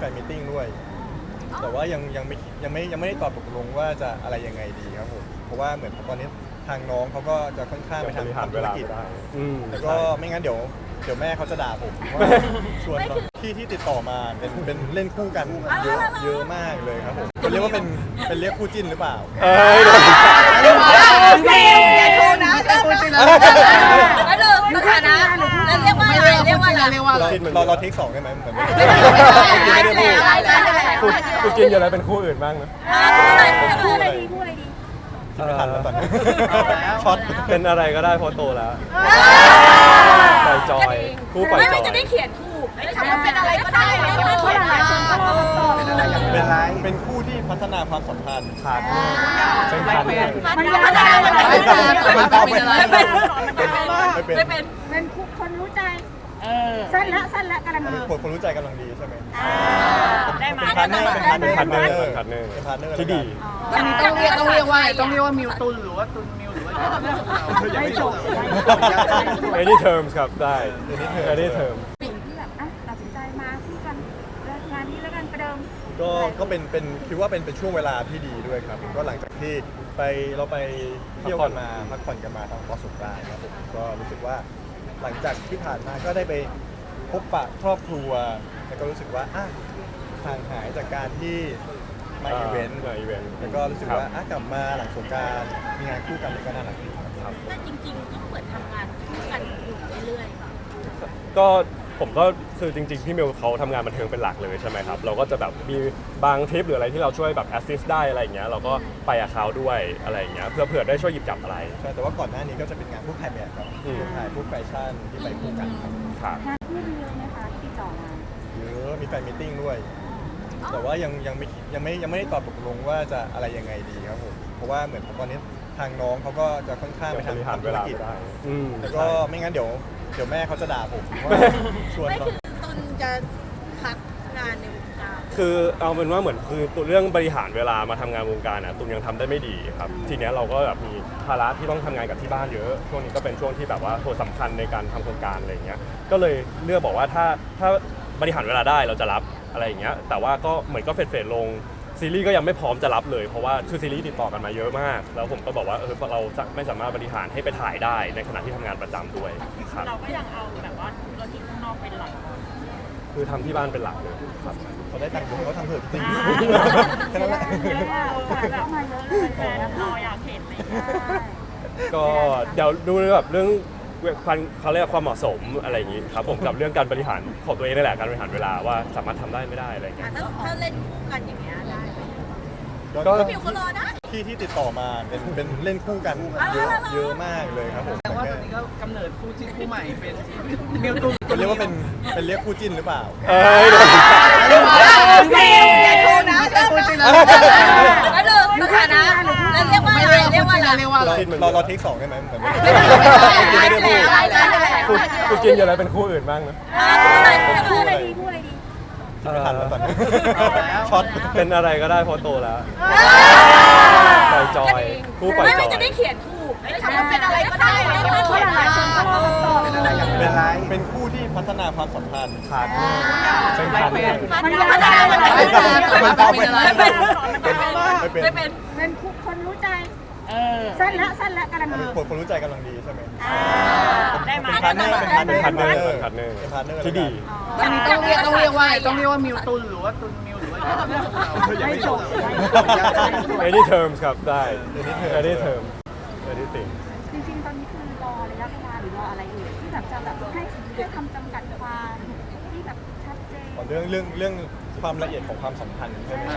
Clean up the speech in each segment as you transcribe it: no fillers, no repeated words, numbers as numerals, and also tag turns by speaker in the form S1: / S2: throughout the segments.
S1: ฟนมีตติ้งด้วยแต่ว่ายังไม่ได้ตอบตกลงว่าจะอะไรยังไงดีครับผมเพราะว่าเหมือนตอนนี้ทางน้องเขาก็จะค่อนข้างไปทำธุรกิจแล้วก็ไม่งั้นเดี๋ยวแม่เขาจะด่าผมว่าชวนที่ติดต่อมาเป็นเล่นคู่กันเยอะมากเลยครับผมจะเรียกว่าเป็นเรียกคู่จิ้นหรือเปล่า
S2: จริงอย่าโทษนะแล้วเลยสถานะแล้วเรียกว่าอะไรเรียกว่าอะไร
S1: เราเทค2ได้ไหมเหมือน
S2: ไม่ได้พูด
S3: คุณกินอยู่แล้วเป็นคู่อื่นบ้างนะ
S2: คู่อะไรดีคู่อะไรดี
S1: ไม่ทันแล้วตอนนี้ช็อต
S3: เป็นอะไรก็ได้เพราะโตแล้วปล่อยจอยคู่ปล่อยจอย
S2: ไม่จะได้เขียนถูกไม่ใช่ว่าเป็นอะไรก็ได้ไม่ต้องเขียนอะไร
S1: เป็นคู่ที่พัฒนาความสัมพันธ์
S3: ขาดเป็นพันธุ์
S2: มันพัฒนาไม่เป็น
S4: เป็นคนรู้ใจสั้นละกำลังดี
S1: คนรู้ใจกำลังดีใช่ไหม
S2: ได้มา
S1: เป็นพาร์ทเนอร์
S3: ที่ดี
S5: ต้องเรียกว่ามิวตุนหรือว่าตุนมิวหรือว่า
S1: ไม่จบ
S3: any terms ครับได้ any terms
S4: สิ่งที่แบบตัดสินใจมาคู่กันงานนี้แล้วกันประเดิม
S1: ก็เป็นคิดว่าเป็นช่วงเวลาที่ดีด้วยครับก็หลังจากที่เราไปเที่ยวกันมาพักผ่อนกันมาทางพอสงกรานต์ครับผมก็รู้สึกว่าหลังจากที่ผ่านมาก็ได้ไปพบปะครอบครัวแล้วก็รู้สึกว่าห่างหายจากการที่มาอีเวนต์แล้วก็รู้สึกว่ากลับมาหลังสงกรานต์มีงานคู่กันก็น่ารักดีครับ
S2: แต่จริงๆก็เหมือนทำงานคู่กันอยู่เรื่อยๆ
S3: ก็ผมก็คือจริงๆพี่มิวเขาทำงานบันเทิงเป็นหลักเลยใช่ไหมครับเราก็จะแบบมีบางทริปหรืออะไรที่เราช่วยแบบแอสซิสต์ได้อะไรอย่างเงี้ยเราก็ไปกับเขาด้วยอะไรอย่างเงี้ยเพื่อได้ช่วยหยิบจับอะไร
S1: ใช่แต่ว่าก่อนหน้านี้ก็จะเป็นงานพวกถ่ายแบบครับถ่ายพวกแฟชั่นที่ไปคู่กัน
S3: ครับ
S4: งานคู่มีเยอะไหมคะที่ต่อมา
S1: เยอะมีแฟนมีตติ้งด้วยแต่ว่ายังไม่ได้ตอบตกลงว่าจะอะไรยังไงดีครับผมเพราะว่าเหมือนตอนนี้ทางน้องเขาก็จะค่อนข้างไปทำธุรกิจแล้วก็ไม่งั้นเดี๋ยวแม่เขาจะด่าผมว่าชวน
S2: ตนจะพักงานในวงการ
S3: คือเอาเป็นว่าเหมือนคือตัวเรื่องบริหารเวลามาทำงานวงการตุนยังทำได้ไม่ดีครับทีนี้เราก็แบบมีภาระที่ต้องทำงานกับที่บ้านเยอะช่วงนี้ก็เป็นช่วงที่แบบว่าโหสำคัญในการทำโครงการอะไรอย่างเงี้ยก็เลยเลือกบอกว่าถ้าบริหารเวลาได้เราจะรับอะไรอย่างเงี้ยแต่ว่าก็เหมือนก็เฟดลงซีรีส์ก็ยังไม่พร้อมจะรับเลยเพราะว่าคือซีรีส์ติดต่อกันมาเยอะมากแล้วผมก็บอกว่าเราไม่สามารถบริหารให้ไปถ่ายได้ในขณะที่ทำงานประจำด้วยครับ
S2: เราก็ยังเอาแบบว่าธุรกิจข้างนอกเป็นหลัก
S3: คือทำที่บ้านเป็นหลักเลยครับ
S1: เขาได้ตังค์เขาทำเถอะจริงแค่นั้นแหละ
S4: แบบมาเยอะเลยแต่
S2: เราอยากเห็นเลย
S3: ก็เดี๋ยวดูแบบเรื่องเขาเรียกความเหมาะสมอะไรอย่างนี้ครับผมกับเรื่องการบริหารของตัวเองนี่แหละการบริหารเวลาว่าสามารถทำได้ไม่ได้อะไรอย่างเงี้ย
S2: ถ้าเล่นคู่กันอย่างเงี้ยได้
S1: ก็
S2: มิวเขารอนะ
S1: ที่ติดต่อมาเป็นเล่นคู่กันเยอะมากเลยครับผม
S5: แต่ว่าตอนนี้ก็กำเนิดคู่จิ้นคู่ใหม่เป็นมิวตุน
S1: จะเรียกว่าเป็นเรียกคู่จิ้นหรือเปล่า
S2: จริงอย่าโทษนะแล้วเลยสถานะแล้วเรียกว่าอะไรเรียกว่าอะไร
S1: เราเทค2ได้ไหมเหมือน
S3: ไม่ได้พูดคุณกินอยู่แล้วเป็นคู่อื่นบ้างนะ
S4: คู่อะไรดี
S1: ไม่ทันแล้วตอนนี้ช็อต
S3: เป็นอะไรก็ได้เพราะโตแล้วปล่อยจอยคู่ปล่อยจอย
S2: ไม่จะได้เขียนถูกไม่ใช่ว่าเป็นอะไรก็ได้ไม่ต้องเขียนอะไร
S1: เป็นคู่ที่พัฒนาความสัมพันธ์
S3: ขาดเป็นพันธุ์
S2: มันพัฒนาไม่
S4: เป็นคนรู้ใจสั้นละกำลังดี
S1: คนรู้ใจกำลังดีใช่ไหม
S2: ได้มา
S1: เป็นพาร์ทเนอร์
S3: ที่ดี
S5: ต้องเรียกว่ามิวตุนหรือว่าตุนมิวหรือว่า
S4: ไม่จบ
S3: any terms ครับได้ any terms anything
S4: จริงๆตอนนี้คือรอระยะเวลาหรือรออะไรอยู่ที่แบบจะแบบให้คำจำกัดความที่แบบชัดเจน
S1: เรื่องความละเอียดของความสัมพันธ์ใช่ไหม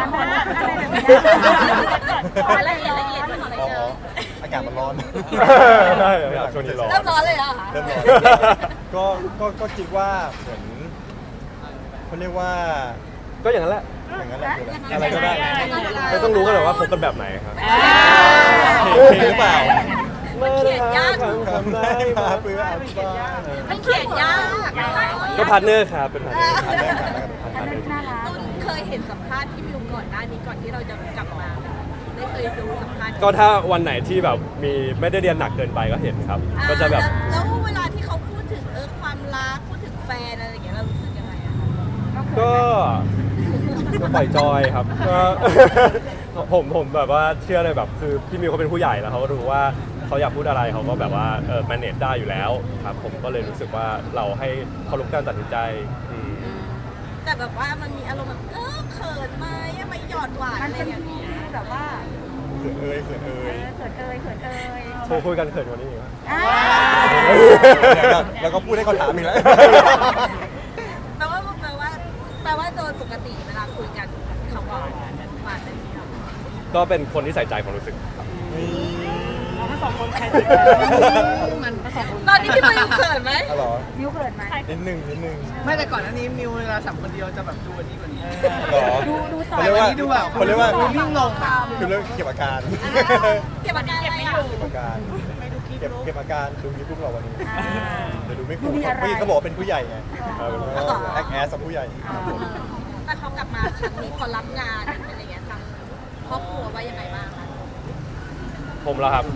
S2: ละเอียด
S1: อากาศมันร้อน
S3: ใช่ช่วงนี้ร้อน
S2: เริ่มร้อนเลยเหรอ
S1: เริ่มร้อนก็คิดว่าเหมือนเขาเรียกว่า
S3: ก็อย่างนั้นแหละ
S1: อะไรก็ได้
S3: ไม่ต้องรู้กันหรอกว่าคบกันแบบไหนครับ
S1: เพลงหรือเปล่า
S2: มันเขียนยาก
S1: ทำได้มาเพื่ออาชีพ
S2: มันเขียนยาก
S3: ก็พาร์ทเนอร์ครับเป็นพาร์ทเนอร์
S2: ตุ้นเคยเห็นสัมภาษณ์ที่มิวก่อนหน้านี้ก่อนที่เราจะกลับมาได้เคยดูสัมภาษณ์
S3: ก็ถ้าวันไหนที่แบบมีไม่ได้เรียนหนักเกินไปก็เห็นครับก็จะแบบ
S2: แล้วเวลาที่เขาพูดถึงความรักพูดถึงแฟนอะไรอย่างเงี้ยเรารู้สึกยังไงอะ
S3: ก็ปล่อยจอยครับก็ ผมแบบว่าเชื่อเลยแบบคือพี่มิวเขาเป็นผู้ใหญ่แล้วเขาก็รู้ว่าเขาอยากพูดอะไรเขาก็แบบว่าmanage ได้อยู่แล้วครับผมก็เลยรู้สึกว่าเราให้เคารพการตัดสินใจอืม
S2: แต่แบบว่ามันมีอารมณ์แบบเขินไหมไม่หยอดหวาน
S4: มัน
S2: อะไร
S4: เป็น
S2: อย่าง
S4: ที่
S2: เงี้ย
S4: แบบว่า
S1: เขินเอ่ยเขินเอ่ย
S4: เขินเอ่ยเขินเอ่ย
S3: โทรคุยกันเขินกว่านี้อีกไหม
S4: อ่า
S1: แล้วก็พูดให้เขาถามอีกแล้ว
S2: แปลว่าโดยปกติเวลาคุยกันเขาก็หวานเป็นที่เรา
S3: ก็เป็นคนที่ใส่ใจความรู้สึกครับ
S5: ทั้งสองคนใครติดกันมันทั้งสองคน
S2: ตอนนี้พี่มิวเขินไหม
S1: อ๋อเหรอ
S4: มิวเขินไหม
S1: นิดนึงนิดนึง
S5: ไม่แต่ก่อนหน้านี้มิวเวลาสัมคนเดียวจะแบบดูอันนี้กว่านี้
S1: เหรอ
S4: ดูต่อ
S1: เขาเรียกว่า
S5: ดูแบบ
S1: เขาเรียกว่า
S5: ดูนิ่งลงอะ
S1: คือเรื่องเก็บอาการ
S2: เก็บอาการอะไรอ่ะ
S1: เก็บอาการเก็บอาการดูยูทูบเราวันนี้
S4: อ่า
S1: เดี๋ยวดูไม่คุ้
S4: ดู
S1: ม
S4: มีอะไร
S1: เมื่อกี้เขาบอกว่าเป็นผู้ใหญ่ไง
S3: อ๋อ
S1: แอคแอสกับผู้ใหญ่
S2: แต่เขากลับมาครั้งนี้พอรับงานอะไรเงี้ยทางครอบครัวว่ายังไงบ้างคะ
S3: ผมแล้วครับ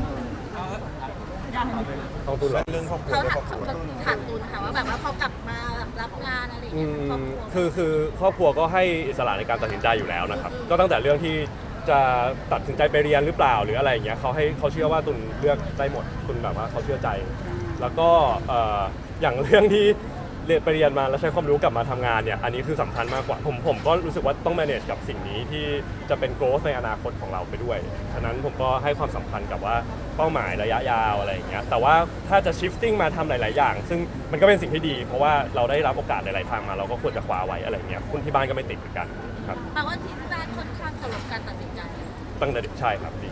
S3: ต้องตุนเหรอ
S1: เรื่องครอบครัว
S2: เขา
S1: เรื่อง
S2: ถา
S1: คร
S2: ม
S1: อบครัว
S2: ถามตูนค่ะว่าแบบว่าพอกลับมารับงานอะไร
S3: อื
S2: เงี้ย
S3: ม
S2: ครอบครัว
S3: คือครอบครัวก็ให้อิสระในการตัดสินใจอยู่แล้วนะครับ ก็ตั้งแต่เรื่องที่จะตัดสินใจไปเรียนหรือเปล่าหรืออะไรอย่างเงี้ยเขาเชื่อว่าตุนเลือกได้หมดตุนแบบว่าเขาเชื่อใจ แล้วก็อย่างเรื่องที่เรียนไปเรียนมาแล้วใช้ความรู้กลับมาทำงานเนี่ยอันนี้คือสำคัญมากกว่าผมก็รู้สึกว่าต้อง manage กับสิ่งนี้ที่จะเป็น growth ในอนาคตของเราไปด้วยฉะนั้นผมก็ให้ความสำคัญกับว่าเป้าหมายระยะยาวอะไรอย่างเงี้ยแต่ว่าถ้าจะ shifting มาทำหลาย ๆ อย่าง ซึ่งมันก็เป็นสิ่งที่ดี เพราะว่าเราได้รับโอกาสหลาย ๆ ทางมาเราก็ควรจะคว้าไว้อะไรอย่างเงี้ยคุณที่บ้านก็ไม่ติดเหมือนกันครับ
S2: แปลว่าที่บ้านค่อนข้างเคารพการตัดสินใจ
S3: ตั้งแต่เด็กใช่ครับดี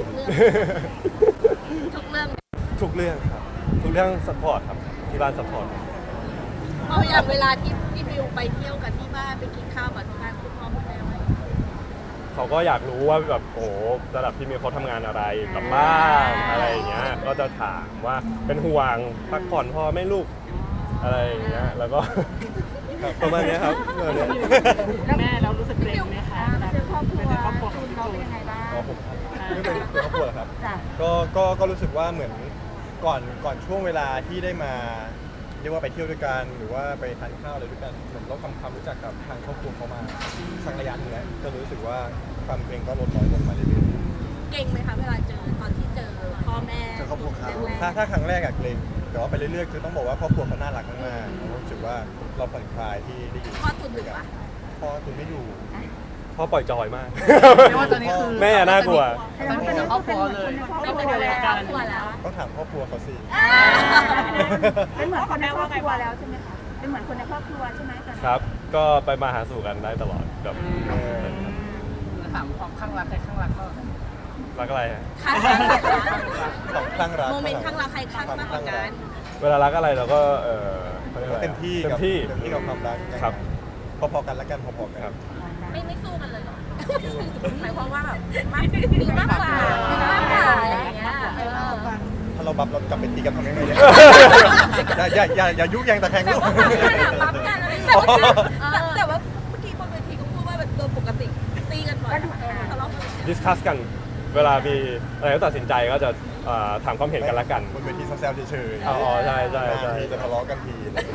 S2: ทุกเรื่อง
S3: ทุกเรื่องครับทุกเรื่อง support ครับที่บ้าน support
S2: เอาอย่างเวลาที่พี่มิวไปเที่ยวกับที่บ้านไปกินข้าวกับที่บ้านคุณพ่อคุณแม่ไหม
S3: เขาก็อยากรู้ว่าแบบโอ้โหระดับพี่มิวเขาทำงานอะไรกลับบ้านอะไรอย่างเงี้ยก็จะถามว่าเป็นห่วงพักผ่อนพอไหม่ลูกอะไรอย่างเงี้ยแล้วก็ ประมาณเนี้ยครับประมาณเนี้ย
S5: แม่เรารู้สึกเกรงไหมคะ
S4: มาเจอครอบครัว
S5: ครอบครัวข
S4: จู
S5: อง
S4: น
S5: พี่
S4: เรา
S5: จู
S4: เป็น
S5: น
S4: ยังไงบ้าง
S1: อ๋อผมไม่เป็นครอบครัวเหรอครับ
S4: จ้ะ
S1: ก็รู้สึกว่าเหมือนก่อนช่วงเวลาที่ได้มาเรียกว่าไปเที่ยวด้วยกันหรือว่าไปทานข้าวอะไรด้วยกันเหมือนเราทำความรู้จักกับทางครอบครัวเขามาสักระยะหนึงแล้วก็รู้สึกว่าความเกรงก็ลดน้อยลงมาเรื่อย
S2: เก่งไหมคะเวลาเจอตอนที่เจอพ่อแม่
S1: ๆเจอครอบครัวเขา
S2: แรก
S1: ถ้าครั้งแรกอะเกรงแต่ว่าไปเรื่อยๆคือต้องบอกว่าครอบครัวเขาน่ารักมากๆรู้สึกว่าเราผ่อนคลายที่ได้อยู่
S2: ๆพ่อตุนหรือวะ
S1: พ่อคุณไม่อยู่
S3: พ่อปล่อยจอยมาก
S5: เรียกว่าตอนนี้คือ
S3: แม่น่ากลัว
S4: แสดงว่าตอนนี้ก็เป็นเหมือนคนในครอบค
S2: ไม่
S4: รัว
S2: เป็นไร
S4: แล้ว
S2: ครอบครัวแล้ว
S1: ต้องถามครอบครัวเขาสิ
S4: เป็นเหมือนคนในครอบครัวแล้วใช่ไหมคะเป็นเหมือนคนในครอบครัวใช่ไหมตอนนี้
S3: ครับ ก็ไปมาหาสู่กันได้ตลอดแบบ
S5: ถามความข้างรักใครข้างรักก็
S3: รักอะไรฮะ
S2: ข้างรัก
S1: ของคลั่งรัก
S2: โมเมนต์ข้างรักใครข้างมากกว่ากัน
S3: เวลารักอะไรเราก็ขารียก
S1: ก็
S3: อะไรอะ
S1: เต็มที่
S3: เต็
S1: กั
S3: ม
S1: บ
S3: ที่
S1: เต็มที่กับความรัก
S3: ครับ
S1: พอๆกันแล้วกันพอๆกัน
S3: ครับ
S2: ไม่สู้กันเลยเหรอหมายความว่าแบบมีมากกว่าอะไรอย่างเงี้ย
S1: ถ้าเราบับเรากลับไปตีกันทำยังไงเนี่ย อย่ายุแยงตะแคงลูก
S2: รับกันอะไรแต่ว่าเมื่อกี้บนเวทีก็พูดว่าแบบโดยปกติตีกันบ่อยทะเลาะกัน
S3: ดิสคัสกัน เวลามีอะไรก็ตัดสินใจก็จะถามความเห็นกันละกัน
S1: บนเวทีแซวๆเฉยๆ
S3: อ๋อใช่ใช่ใช่
S1: ทีจะทะเลาะกันที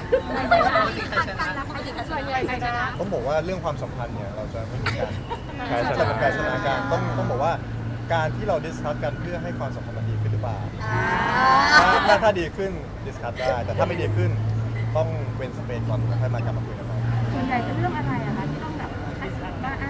S1: ต้องบอกว่าเรื่องความสัมพันธ์เนี่ยเราจะไม่มีการ
S3: แพ้ช
S1: จะ
S3: นะ
S1: เป็นการชนะกันต้องบอกว่าการที่เราดิสคัสกันเพื่อให้ความสัมพันธ์มันดีขึ้นหรือเปล่าถ้าดีขึ้นดิสคัสได้แต่ถ้าไม่ดีขึ้นต้องเว้นสเปซก่อนแล้วค่อยมากลับมาคุยกันใหม่
S4: ส่วนใหญ่เป็นเรื่องอะไรอะคะที่ต้องแบบให้สัมภาษณ์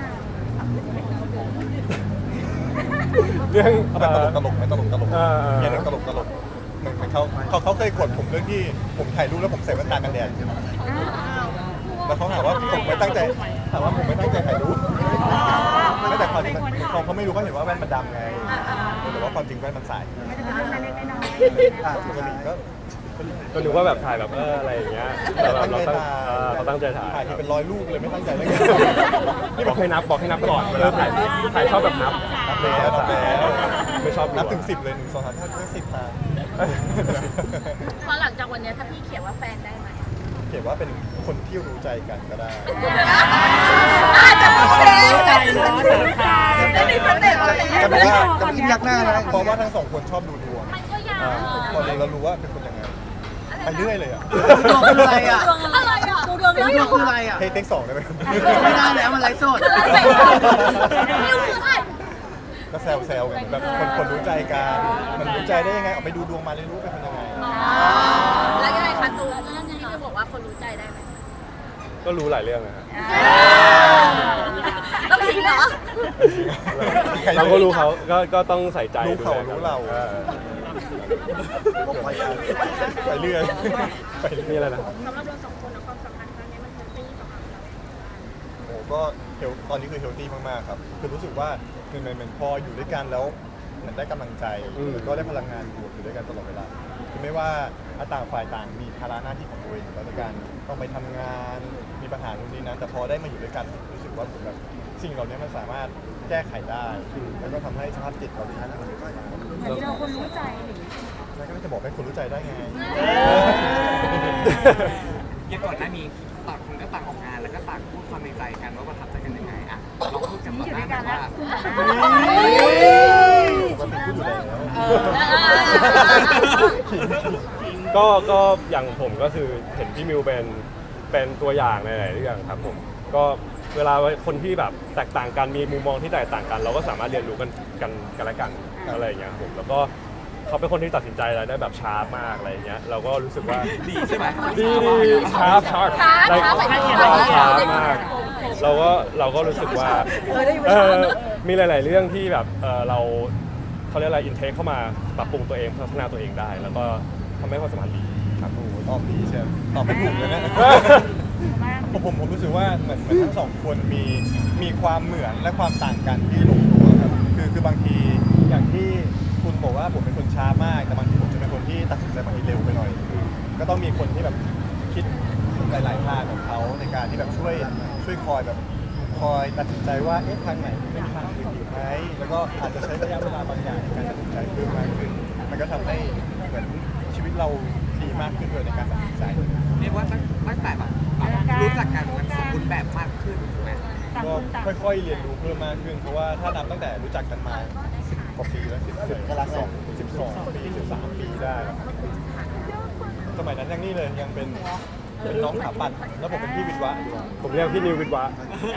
S3: เรื่อง
S1: ตลกไหมตลก
S3: เออ
S1: เนี่ยเรื่องตลกเหมือนเขาเคยกดผมเรื่องที่ผมถ่ายรูปแล้วผมใส่แว่นตากันแดดแล้วเขาถามว่าผมไม่ตั้งใจถ่ายรูปไม่แต่ความจริงเขาไม่รู้เขาเห็นว่าแว่นมันดำไงแต่ว่าความจริงแว่นมันใส
S4: ไม่ได้เป็นเรื่องเล็กๆน้อย
S1: ปกติก็
S3: ก็นึกว่าแบบถ่ายแบบอะไรอย่างเงี้ยแต่แบบเราตั้งใจถ่าย
S1: ถ่ายที่เป็น100 รูปเลยไม่ตั้งใจเลย
S3: นี่บอกให้นับก่อนเวลาถ่ายชอบแบบนับ
S1: นับแล้ว
S3: ไม่ชอบ
S1: นับถึง10เลย1 2 3 4 5 10ทาง
S2: พอหลังจากวันนี้ถ้าพี่เขียนว่าแฟนได้ไหม
S1: เขียนว่าเป็นคนที่รู้ใจกันก็ได้
S2: จะพูดแล้ว
S5: ใจเนาะสารคาม
S2: ไม่มีสเต็ปเลย
S1: แต่ว่าจะยิ้มยักหน้านะเพราะว่าทั้งสองคนชอบดูดวง
S2: มันก็ยาก
S1: พอเรารู้ว่าเป็นคนยังไงไปเรื่อยเลยอ่ะ
S5: ดวงเป็นอะไรอ่ะ
S2: อะไรอ่ะดูดวงแล้ว
S5: มิวคืออะไรอ่ะ
S1: เทคสองได้ไหมครับ
S5: ไม่ได้แล้วมันไลฟ์สด
S2: มิวคืออะไร
S1: ก็แซวๆกันแบบคนรู้ใจกันมันรู้ใจได้ยังไงเอาไปดูดวงมาเลยรู้เป็นยังไง
S2: แล้วยังไงคะตูนที่มิวบอกว่าคนรู้ใจได้ไหม
S3: ก็รู้หลายเรื่องนะครับ
S2: ต้องคิดเหรอ
S3: เราก็รู้เขาก็ต้องใส่ใจ
S1: รู้เขา
S3: ดูแลกัน
S1: รู้เรา ไปเรื่อยไปเรื่อย
S3: มีอะไรนะ
S1: โอ้ก็ตอนนี้คือเฮลตี้มากๆครับคือรู้สึกว่ามันพออยู่ด้วยกันแล้วมันได้กำลังใจแล้วก็ได้พลังงานบวกอยู่ด้วยกันตลอดเวลาคือไม่ว่าต่างฝ่ายต่างมีภาระหน้าที่ของตัวเองแล้วในการต้องไปทำงานมีปัญหาตรงนี้นะแต่พอได้มาอยู่ด้วยกันรู้สึกว่าเหมือนแบบสิ่งเหล่านี้มันสามารถแก้ไขได้แล้วก็ทำให้สภาพจิตเราดีขึ้น
S4: เหมือนเจอคนรู้ใจอะไรอย่างเงี้ย
S1: แล้วก็จะบอกให้คนรู้ใจได้ไง
S6: ยังก่อนหน้านี้ต่างคนก็ต่างออกงานแล้วก็ต่างพูดความในใจกันว่าประทับใจกันยังไงอ่ะเราพูดกันต่อหน้ากันว่า
S1: ปกติพูดอยู่แล้ว
S3: ก็อย่างผมก็คือเห็นพี่มิวเป็นตัวอย่างในหลายๆเรื่องครับผมก็เวลาคนที่แบบแตกต่างกันมีมุมมองที่แตกต่างกัน เราก็สามารถเรียนรู้กันและกันอะไรอย่างเงี้ยผมแล้วก็เขาเป็นคนที่ตัดสินใจอะไรได้แบบชาร์ปมากอะไรอย่างเงี้ยเราก็รู้สึกว่า
S6: ดีใช่ไหม
S3: ดีชาร์ปมากเราก็รู้สึกว่ามีหลาย ๆ เรื่องที่แบบเขาเรียกอะไรอินเทคเข้ามาปรับปรุงตัวเองพัฒนาตัวเองได้ แล้วก็ทำให้ความสัมพันธ์ดีครับ
S1: โอ้โหตอบดีใช่ไหมตอบไม่ถูกเลยนะ ผมรู้สึกว่าเหมือนทั้งสองคนมีความเหมือนและความต่างกันที่ลงตัวครับคือบางทีอย่างที่คุณบอกว่าผมเป็นคนช้ามาก แต่บางทีผมจะเป็นคนที่ตัดสินใจบางทีเร็วไปหน่อย ก็ต้องมีคนที่แบบคิดหลายๆทางของเขาในการที่แบบช่วยคอยแบบคอยตัดสินใจว่าเอ๊ะทางไหนเป็นทางอื่นดีไหมแล้วก็อาจจะใช้ระยะเวลาบางอย่างในการตัดสินใจเพิ่มมากขึ้นมันก็ทำให้เหมือนชีวิตเราดีมากขึ้นด้วยในการตัดสินใจ
S6: เรียกว่าตั้งแต่แบบรู้จักกันมันสมบูรณ์แบบมากขึ้นถูกไหม
S1: ก็ค่อยๆเรียนรู้เพิ่มมากขึ้น เพราะว่าถ้านับตั้งแต่รู้จักกันมา10 กว่าปีแล้ว12 ปี 13 ปีได้แล้วสมัยนั้นยังนี่เลยยังเป็นน้องขาปัดแล้วผมเป็นพี่วิทย์วะอยู่
S3: ผมเรียกพี่นิววิทย์วะ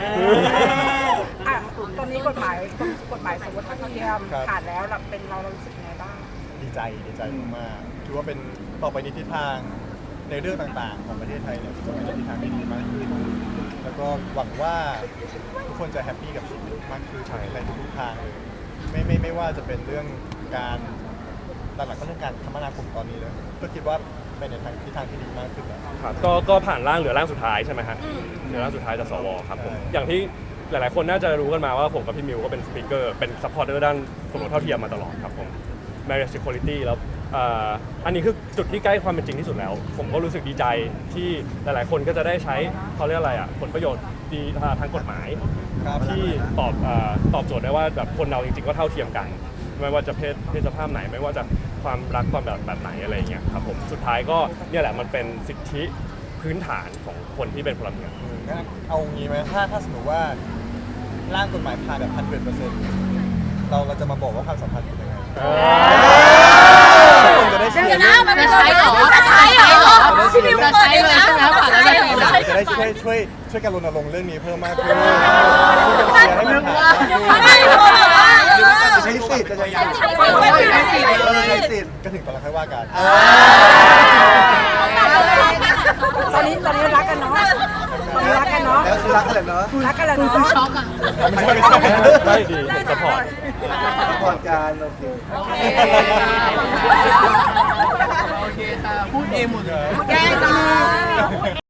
S7: ตอนนี้กฎหมายสมรสเท่าเทียมผ่านแล้วเรารู้สึกยังไงบ้าง
S1: ดีใจมากๆถือว่าเป็นต่อไปในทิศทางในเรื่องต่างๆ ของประเทศไทยเนี่ยจะเป็นทิศทางที่ดีมากขึ้นแล้วก็หวังว่าทุกคนจะแฮปปี้กับชีวิตมากขึ้นในทุกๆทางเลยไม่ว่าจะเป็นเรื่องการหลักๆก็เรื่องการคมนาคมตอนนี้เลยก็คิดว่าเป็นในทางทิศทางที่ดีมากขึ้นแล้ว
S3: ครับก็ผ่านร่างเหลือร่างสุดท้ายใช่ไหมฮะเหลือร่างสุดท้ายจากสวครับผม
S1: ใช่
S3: อย่างที่หลายๆคนน่าจะรู้กันมาว่าผมกับพี่มิวก็เป็นสปีกเกอร์เป็นซัพพอร์ตเตอร์ด้านสมรสเท่าเทียมมาตลอดครับผม marriage equality แล้วอันนี้คือจุดที่ใกล้ความเป็นจริงที่สุดแล้ว ผมก็รู้สึกดีใจที่หลายๆคนก็จะได้ใช้เขาเรียกอะไรอ่ะผลประโยชน์ดีทางกฎหมาย
S1: ครับ
S3: ที่ตอบโจทย์ได้ว่าแบบคนเราจริงๆก็เท่าเทียมกัน ไม่ว่าจะเพศสภาพไหนไม่ว่าจะความรักความแบบไหนอะไรอย่างเงี้ยครับผมสุดท้ายก็เนี่ยแหละมันเป็นสิทธิพื้นฐานของคนที่เป็นพลเมือง
S1: งั้นเอางี้ไหมถ้าสมมติว่าร่างกฎหมายผ่านแบบ100%เราจะมาบอกว่าความสัมพันธ์เป็นยังไงคนจะได้เชีย
S2: เดี๋ยว
S1: ร์
S2: นะมันจะใช้เหรอพี่มิว
S5: จะ
S2: เปิด
S5: ใช้
S2: เอง
S5: เลย
S2: นะ
S5: ใช่ไหมผ่านแล้วจะใช้เลย
S1: จะได้ช่วยกันรณรงค์เรื่องนี้เพิ่มมากขึ้นช่วยกันเชียร์ให้มันผ่าน
S2: ใช้สิทธิ์
S1: จะใช้สิทธิ์
S5: ใช้สิทธิ์
S1: ก็ถึงตอนเราค่อยว่ากัน
S7: ตอนนี้รักกันเนาะรักกันเนาะ
S5: แล้วคือรักกันเลยเนาะ
S7: รักกันแล้ว
S5: คุณ
S7: เนาะ
S5: ช็อกอ่ะ
S1: ไม่ใช่
S3: ได้ดีผมสปอร์ต
S5: ก่อนการโอเค
S7: โอเค